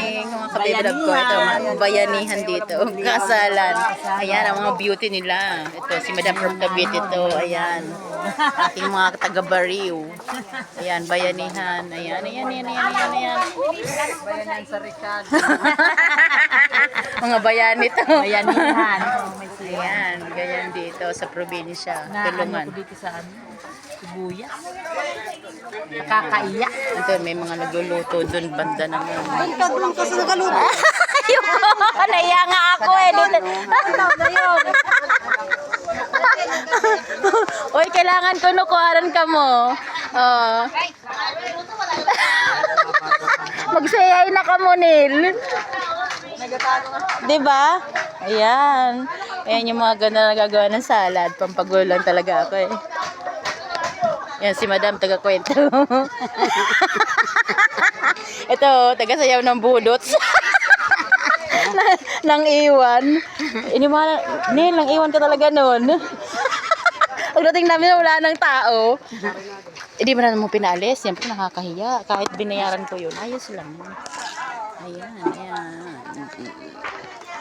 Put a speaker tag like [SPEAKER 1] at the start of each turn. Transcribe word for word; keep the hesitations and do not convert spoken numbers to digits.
[SPEAKER 1] morning, mga kabiblog ko. Ito, mga bayanihan dito. Kasalan. Ayan, ang mga beauty nila. Ito, si Madam from Cavite ito. Ayan. Ating mga taga-Bariw. Ayan, bayanihan. Ayan, ayan, ayan, ayan, ayan, ayan.
[SPEAKER 2] Bayanan sa Ricard.
[SPEAKER 1] Mga bayani ito.
[SPEAKER 2] Bayanihan.
[SPEAKER 1] Ayan, ganyan dito sa probinsya.
[SPEAKER 2] Na ano
[SPEAKER 1] Tulungan.
[SPEAKER 2] ko dito sa ano? Sibuyas. Nakakaiyak.
[SPEAKER 1] Ito, may mga nagluluto doon, banda naman.
[SPEAKER 2] Bantag lang kasi nagaluto.
[SPEAKER 1] Ayoko, naiya nga ako eh. Dito.
[SPEAKER 2] na yun.
[SPEAKER 1] Uy, kailangan ko nukuharan ka mo. Oh. Magsayay na ka mo, Nil. Diba? Ayan. Ayan yung mga ganda na nagagawa ng salad. Pampagulan talaga ako eh. Yan si Madam taga-kwento. Ito, taga-sayaw ng budots. Nang iwan. Inimala, Nil, nang iwan ka talaga noon. Pagdating namin wala ng tao. Hindi mo na mo pinalis. Siyempre nakakahiya. Kahit binayaran ko yun. Ayos lang. Ayan, ayan.